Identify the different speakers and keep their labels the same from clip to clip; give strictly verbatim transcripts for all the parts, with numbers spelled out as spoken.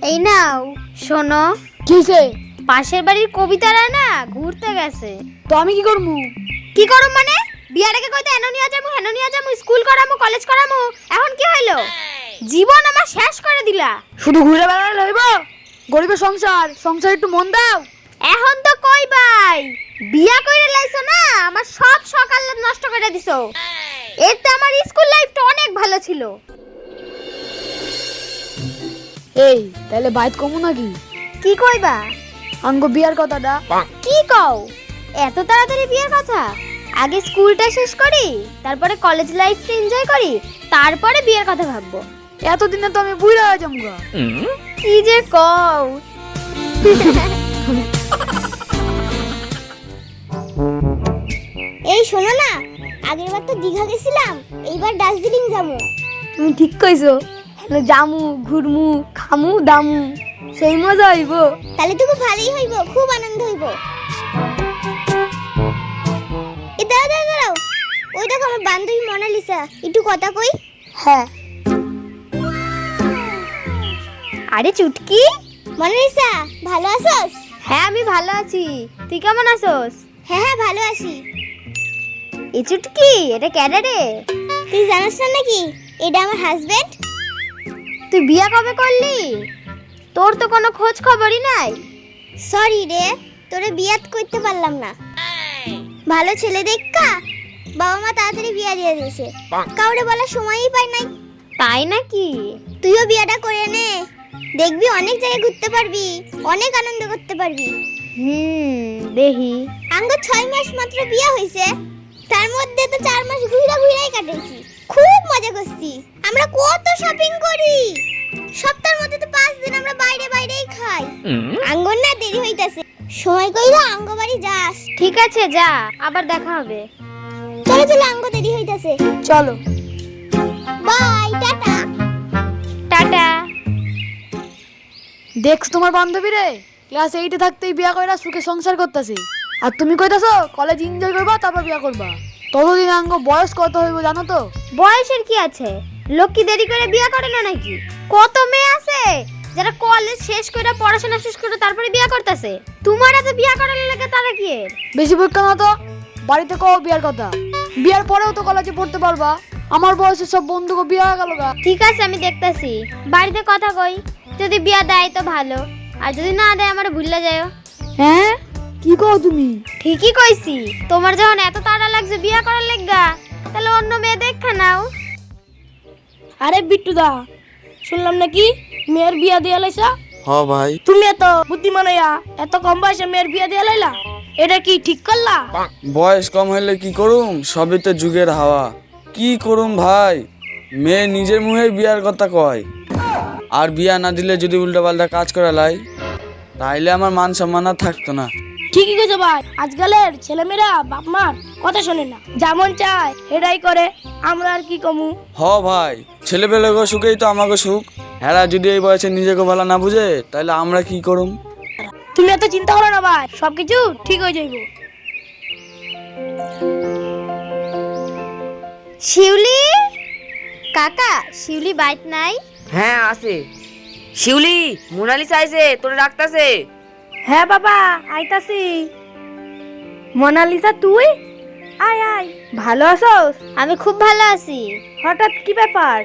Speaker 1: এই নাও শোনো।
Speaker 2: কিসে?
Speaker 1: পাশের বাড়ির কবিতারা না ঘুরতে গেছে।
Speaker 2: তো আমি কি করবো?
Speaker 1: কি করব মানে? বিয়ার আগে কইতে এনো নিয়া যামু হেনো নিয়া যামু স্কুল করামু কলেজ করামু, এখন কি হইলো? জীবন আমার শেষ করে দিলা।
Speaker 2: শুধু ঘুরে বেড়ালে হইব? গরিবের সংসার, সংসার একটু মন দাও।
Speaker 1: এখন তো কই ভাই বিয়া কইরা লাইছো না, আমার সব সকাল নষ্ট করে দিছো। এতে আমার স্কুল লাইফটা অনেক ভালো ছিল।
Speaker 2: এই তাহলে বাইত কমু নাকি?
Speaker 1: কি কইবা?
Speaker 2: আঙ্গ বিয়ার কথাটা।
Speaker 1: কি কও? এত তাড়াতাড়ি বিয়ের কথা? আগে স্কুলটা শেষ করি, তারপরে কলেজ লাইফটা এনজয় করি, তারপরে বিয়ের কথা ভাববো।
Speaker 2: এতদিনে তো আমি বুইড়া হয়ে যাবো গা।
Speaker 1: কি যে কও।
Speaker 3: এই শোনো না, আগের বার তো দীঘা গেছিলাম, এইবার দার্জিলিং যাবো।
Speaker 2: তুমি ঠিক কইছো। হ্যালো জামু, ঘুরমু, খামু, দামু, সেই মজা হইব।
Speaker 3: তাহলে তো খুব ভালোই হইব, খুব আনন্দ হইব। এ দাঁড়াও দাঁড়াও দাঁড়াও, ওই দেখো আমার বান্ধবী মোনালিসা, একটু কথা কই।
Speaker 2: হ্যাঁ।
Speaker 1: আরে চুটকি,
Speaker 3: মোনালিসা ভালো আছোস?
Speaker 1: হ্যাঁ আমি ভালো আছি, তুই কেমন আছোস?
Speaker 3: হ্যাঁ হ্যাঁ ভালো আছি।
Speaker 1: এই চুটকি, এটা কেডা রে?
Speaker 3: তুই জানিস না নাকি এটা আমার হাজবেন্ড?
Speaker 1: তুই বিয়া কবে করলি? তোর তো কোনো খোঁজ খবরই নাই।
Speaker 3: সরি রে, তোরে বিয়াত করতে পারলাম না। ভালো ছেলে দেখা বাবা মা তাড়াতাড়ি বিয়া দিয়ে দিয়েছে, কাউরে বলার সময়ই পাই নাই।
Speaker 1: তাই নাকি?
Speaker 3: তুইও বিয়াটা করে নে, দেখবি অনেক জায়গায় ঘুরতে পারবি, অনেক আনন্দ করতে পারবি।
Speaker 1: হুম দেখি।
Speaker 3: আঙ্গ ছয় মাস মাত্র বিয়া হয়েছে, তার মধ্যে তো চার মাস ঘুরা ঘুরাই কাটাইছি, খুব মজা করছি। আমরা কত শপিং করি, সপ্তাহের মধ্যে তো পাঁচ দিন আমরা বাইরে বাইরেই খাই। আঙ্গর না দেরি হইতাছে, সময় কইরা আঙ্গ বাড়ি যাস।
Speaker 1: ঠিক আছে যা, আবার দেখা হবে।
Speaker 3: চলো চলো, আঙ্গ দেরি হইতাছে।
Speaker 2: চলো।
Speaker 3: বাই, টাটা।
Speaker 1: টাটা।
Speaker 2: দেখছ তোমার বান্ধবী রে, ক্লাস এইটে থাকতেই বিয়া কইরা সুখে সংসার করতেছে। আর তুমি কইতাছো কলেজ এনজয় করবা তারপর বিয়া করবা। ততদিন আঙ্গ বয়স কত হইব জানো তো?
Speaker 1: বয়সের কি আছে? লোক কি দেরি করে বিয়া করে না নাকি? কত মেয়ে আছে যারা কলেজ শেষ করে পড়াশোনা শেষ করে তারপরে বিয়া করতেছে। তোমার এত বিয়া করার লাগে তারা কি এর?
Speaker 2: বেশি বইকা না তো, বাড়িতে কও বিয়ার কথা। বিয়ার পরেও তো কলেজে পড়তে পারবা। আমার বয়সের সব বন্ধুকে বিয়া হয়ে গেল গা।
Speaker 1: ঠিক আছে আমি দেখতাছি, বাড়িতে কথা কই, যদি বিয়া দেয় তো ভালো, আর যদি না দেয় আমার ভুললে যাও।
Speaker 2: হ্যাঁ কি কও তুমি?
Speaker 1: ঠিকই কইছি, তোমার যখন এত তাড়া লাগছে বিয়া করার লাগা, তাহলে অন্য মেয়ে দেখা নাও।
Speaker 4: আরে বিট্টু দা, শুনলাম নাকি মেয়ের বিয়া দিয়া লাইছা?
Speaker 5: হ ভাই।
Speaker 4: তুমি এত বুদ্ধিমান হইয়া এত কম বয়সে মেয়ের বিয়া দিয়া লাইলা, এটা কি ঠিক করলা?
Speaker 5: বয়স কম হইলে কি করুম, সবই তো যুগের হাওয়া। কি করুম ভাই, মেয়ে নিজের মুখে বিয়ার কথা কয়, আর বিয়া না দিলে যদি উল্টা পাল্টা কাজ করা লাই, তাইলে আমার মান সম্মান আর থাকতো না।
Speaker 4: ঠিকই কইছো ভাই, আজকালের ছেলেমেয়েরা বাপ মার কথা শোনে না, যেমন চায় সেটাই করে। আমরা আর কি কমু?
Speaker 5: হ ভাই, ছেলেপেলেগো সুখেই তো আমাকে সুখ। হেরা যদি এই বয়সে নিজেকে ভালো না বুঝে, তাহলে আমরা কি করুম?
Speaker 4: তুমি এত চিন্তা করো না ভাই, সবকিছু ঠিক হয়ে যাইব।
Speaker 1: শিউলি কাকা, শিউলি বাইট নাই?
Speaker 6: হ্যাঁ আছে। শিউলি, মোনালিসা আইছে, তোরে ডাকতাছে।
Speaker 4: হ্যাঁ বাবা আইতাছি। মোনালিসা তুই? আয় আয়, ভালো আছোস?
Speaker 1: আমি খুব ভালো আছি।
Speaker 4: হঠাৎ কি ব্যাপার?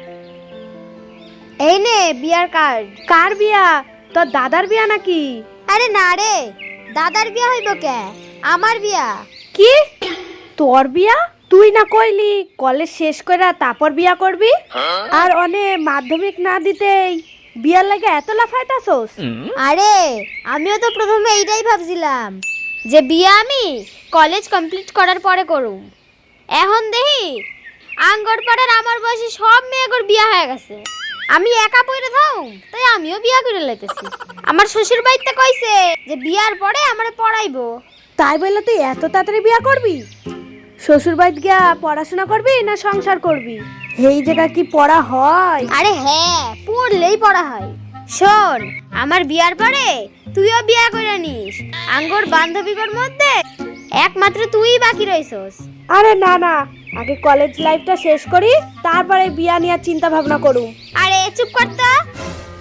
Speaker 1: এই নে বিয়ার কার্ড।
Speaker 4: কার বিয়া? তোর দাদার বিয়া নাকি?
Speaker 1: আরে না রে, দাদার বিয়া হইব কে, আমার বিয়া।
Speaker 4: কি তোর বিয়া? তুই না কইলি কলেজ শেষ করে তারপর বিয়া করবি, আর অনে মাধ্যমিক না দিতেই বিয়ার লাগে এত লাফাইতাছস?
Speaker 1: আরে আমিও তো প্রথমে এইটাই ভাবছিলাম যে বিয়া আমি কলেজ কমপ্লিট করার পরে করুম। এখন দেখি আঙ্গর পাড়ার আমার বয়সী সব মেয়েগুর বিয়া হয়ে গেছে, আমি একা পড়ে থাকুম, তাই আমিও বিয়া করে লাইতেছি। আমার শ্বশুর বাড়িতে কইছে যে বিয়ার পরে আমারে পড়াইবো।
Speaker 4: তাই বললে তুই এত তাড়াতাড়ি বিয়া করবি? শ্বশুর বাড়িতে গিয়া পড়াশোনা করবি না সংসার করবি? এই জায়গা কি পড়া হয়?
Speaker 1: আরে হ্যাঁ, পড়লেই পড়া হয়। শোন, আমার বিয়ার পরে তুইও বিয়া করে নিস। আঙ্গর বান্ধবীদের মধ্যে একমাত্র তুই বাকি রইছস।
Speaker 4: আরে না না, আগে কলেজ লাইফটা শেষ করি, তারপরে বিয়া নিয়ে চিন্তা ভাবনা করুম।
Speaker 1: আরে চুপ কর তো,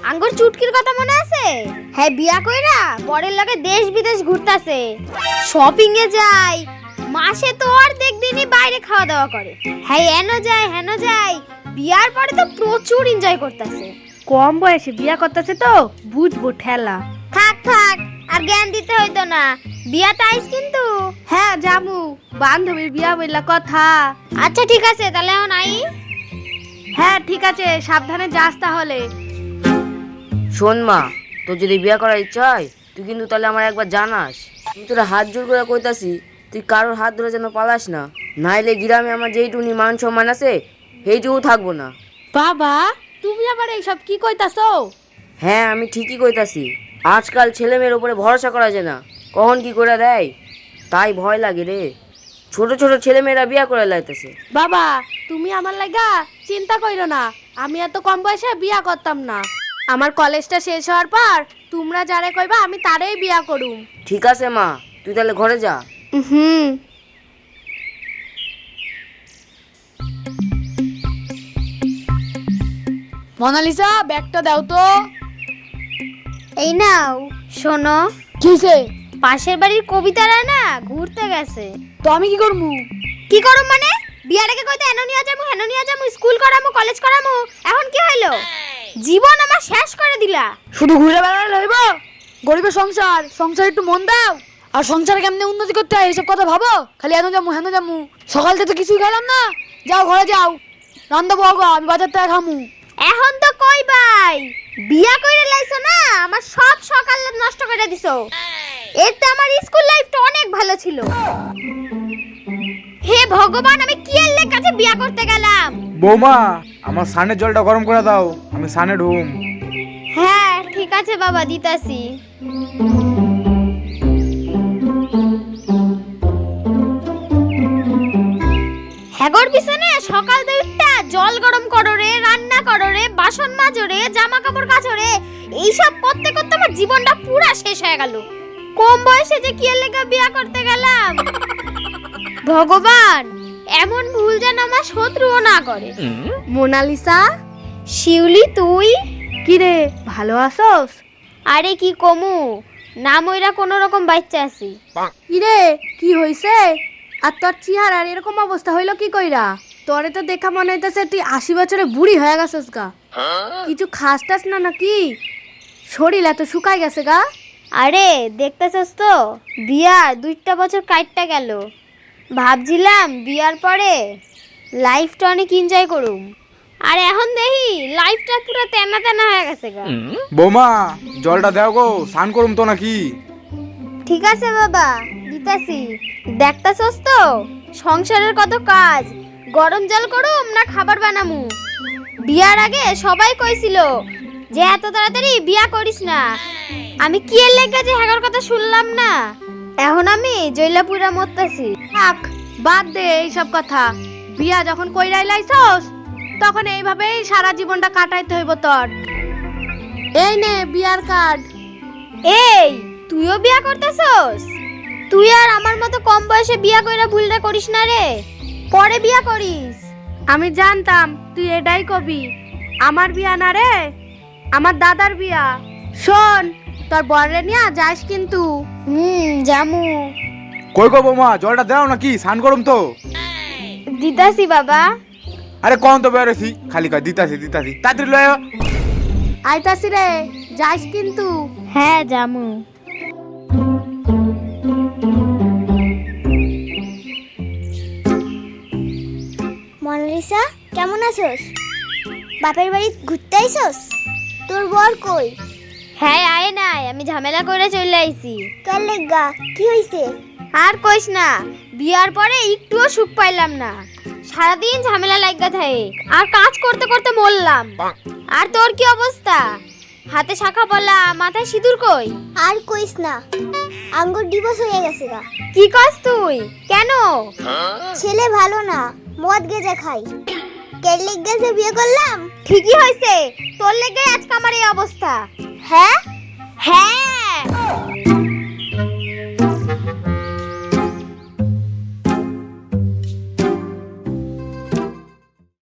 Speaker 1: আঙ্গুর চুটকির কথা মনে আছে? হ্যাঁ বিয়া কইরা বরের লগে দেশ বিদেশ ঘুরতাছে, শপিং এ যায়, মাসে তো অর্ধেক দিনই বাইরে খাওয়া দাওয়া করে। হ্যাঁ এনো যায় হেনো যায়, বিয়ার পরে তো প্রচুর এনজয় করতেছে।
Speaker 4: কম বয়সে বিয়া করতেছে তো বুঝবো ঠেলা।
Speaker 1: থাক থাক আর জ্ঞান দিতে হইতো না, বিয়াতে আইস কিন্তু।
Speaker 4: হ্যাঁ জামু, বান্ধবীর বিয়া বললা কথা।
Speaker 1: আচ্ছা ঠিক আছে তাহলে এখন আই।
Speaker 4: হ্যাঁ ঠিক আছে, সাবধানে যাস তাহলে।
Speaker 6: শোন মা, তোর যদি বিয়ে করার ইচ্ছা হয় তুই কিন্তু তাহলে আমার একবার জানাস। আমি তোরা হাত জোর করে কইতাছি, তুই কারোর হাত ধরে যেন পালাস না, নাইলে গ্রামে আমার যেইটুনি মান সম্মান আছে সেইটুকু থাকবো না।
Speaker 4: বাবা তুমি আবার এইসব কি কইতাছো?
Speaker 6: হ্যাঁ আমি ঠিকই কইতাছি, আজকাল ছেলে মেয়ের উপরে ভরসা করা যায় না, কখন কি করে দেয় তাই ভয় লাগে রে। ছোট ছোট ছেলে মেয়েরা বিয়া করে লাইতেছে।
Speaker 4: বাবা তুমি আমার লাগা চিন্তা কইরো না, আমি এত কম বয়সে বিয়া করতাম না। আমার কলেজটা শেষ হওয়ার পর তোমরা যারে কইবা আমি তারেই বিয়া করুম।
Speaker 6: ঠিক আছে মা, তুই তাহলে ঘরে যা।
Speaker 4: হুম।
Speaker 2: মোনালিসা ব্যাগটা দাও তো।
Speaker 1: এই নাও শোনো,
Speaker 2: কিসে?
Speaker 1: পাশের বাড়ির কবিতারা না ঘুরতে গেছে।
Speaker 2: তো আমি কি করবো?
Speaker 1: কি করুম মানে? বিয়ার আগে কইতে এনো নিয়া যামু হেনো নিয়া যামু, স্কুল করামু কলেজ করামু, এখন কি হইলো? জীবন আমার শেষ করে দিলা।
Speaker 2: শুধু ঘুরে বেড়ালে হইব? গরিবের সংসার, সংসার একটু মন দাও। আর সংসারে কেমনে উন্নতি করতে হয় এইসব কথা ভাবো, খালি এনো যামু হেনো যামু। সকাল থেকে তো কিছুই খেলাম না, যাও ঘরে যাও, রান্না বগো, আমি বাজার থেকে খামু।
Speaker 1: এখন তো কই ভাই বিয়া কইরে লাইছো না, আমার সব সকাল নষ্ট করে দিছো। এতে আমার স্কুল লাইফটা অনেক ভালো ছিল। হে ভগবান, আমি কি এর কাছে বিয়া করতে গেলাম?
Speaker 7: বৌমা, আমার সানের জলটা গরম করে দাও, আমি সানে ঢুম।
Speaker 1: হ্যাঁ ঠিক আছে বাবা, দিতাছি। হ্যাগর পিছনে সকাল দুইটা জল গরম করো রে, রান্না করো রে, বাসন মাজো রে, জামা কাপড় কাচো রে, এইসব করতে করতে আমার জীবনটা পুরা শেষ হয়ে গেল। কম বয়সে যে কি এর লেগে বিয়া করতে গেলাম। ভগবান, এমন ভুল যেন আমার শত্রুও না করে।
Speaker 4: মোনালিসা,
Speaker 1: শিউলি তুই?
Speaker 4: কি রে ভালো আছোস?
Speaker 1: আরে কি কমু, না মইরা কোনো রকম বাচ্চা আছি।
Speaker 4: কি রে কি হইছে? আর তোর চেহারার এরকম অবস্থা হইলো কি কইরা? তোরে তো দেখা মনে হইতেছে তুই আশি বছরে বুড়ি হয়ে গেছিস গা। কিছু খাস টাস না নাকি? শরীর এত শুকাই গেছে গা।
Speaker 1: আরে দেখতেছস তো, বিয়ার দুইটা বছর কাটটা গেল। ভাবছিলাম বিয়ার পরে লাইফটা অনেক এনজয় করুম, আর এখন দেখি লাইফটা পুরো তেনা তেনা হয়ে গেছে গা।
Speaker 7: বৌমা, জলটা দাও গো, স্নান করুম তো নাকি?
Speaker 1: ঠিক আছে বাবা, দিতাছি। দেখতাছস তো সংসারের কত কাজ, গরম জল করুম না খাবার বানামু। বিয়ার আগে সবাই কইছিল যে এত তাড়াতাড়ি বিয়া করিস না, আমি কি এর লেগে যে হ্যাগর কথা শুনলাম না, এখন আমি জৈলাপুরা মরতাছি।
Speaker 4: থাক বাদ দে এইসব কথা। বিয়া যখন কইরাই লাইছস তখন এইভাবেই সারা জীবনটা কাটাইতে হইব তোর। এই নে বিয়ার কার্ড।
Speaker 1: এই তুইও বিয়া করতেছস? তুই আর আমার মতো কম বয়সে বিয়া কইরা ভুলটা করিস না রে, পরে বিয়া করিস।
Speaker 4: আমি জানতাম তুই এটাই কবি। আমার বিয়া না রে, আমার দাদার বিয়া। শোন, তোর বররে নিয়া যাস কিন্তু।
Speaker 1: হুম জামু।
Speaker 7: কই গো বৌমা, জলটা দাও নাকি? স্নান করুম তো।
Speaker 1: দিতাছি বাবা।
Speaker 7: আরে কোন তো বেরোছি, খালি কয় দিতাছি দিতাছি, তাড়াতাড়ি লয়।
Speaker 4: আইতাছি রে, যাস কিন্তু।
Speaker 1: হ্যাঁ জামু।
Speaker 3: মোনালিসা কেমন আছোস? বাপের বাড়ি ঘুরতে আইছস? তোর বর কই?
Speaker 1: হ্যাঁ আয় নাই, আমি ঝামেলা করে চলে আইছি।
Speaker 3: কার লেগা কি হইছে?
Speaker 1: আর কইস না, বিয়ার পরে একটুও সুখ পাইলাম না, সারাদিন ঝামেলা লাগা থাকে, আর কাজ করতে করতে মরলাম। আর তোর কি অবস্থা? হাতে শাখা পলা, মাথায় সিঁদুর কই?
Speaker 3: আর কইস না, আঙ্গুর ডিভোর্স হয়ে গেছে গা।
Speaker 1: কি কস তুই? কেন?
Speaker 3: ছেলে ভালো না, মদ গেজা খাই। কের লেগা যে বিয়ে করলাম।
Speaker 1: ঠিকই হইছে, তোর লেগে আজকে আমার এই অবস্থা।
Speaker 3: হ্যাঁ
Speaker 1: হ্যাঁ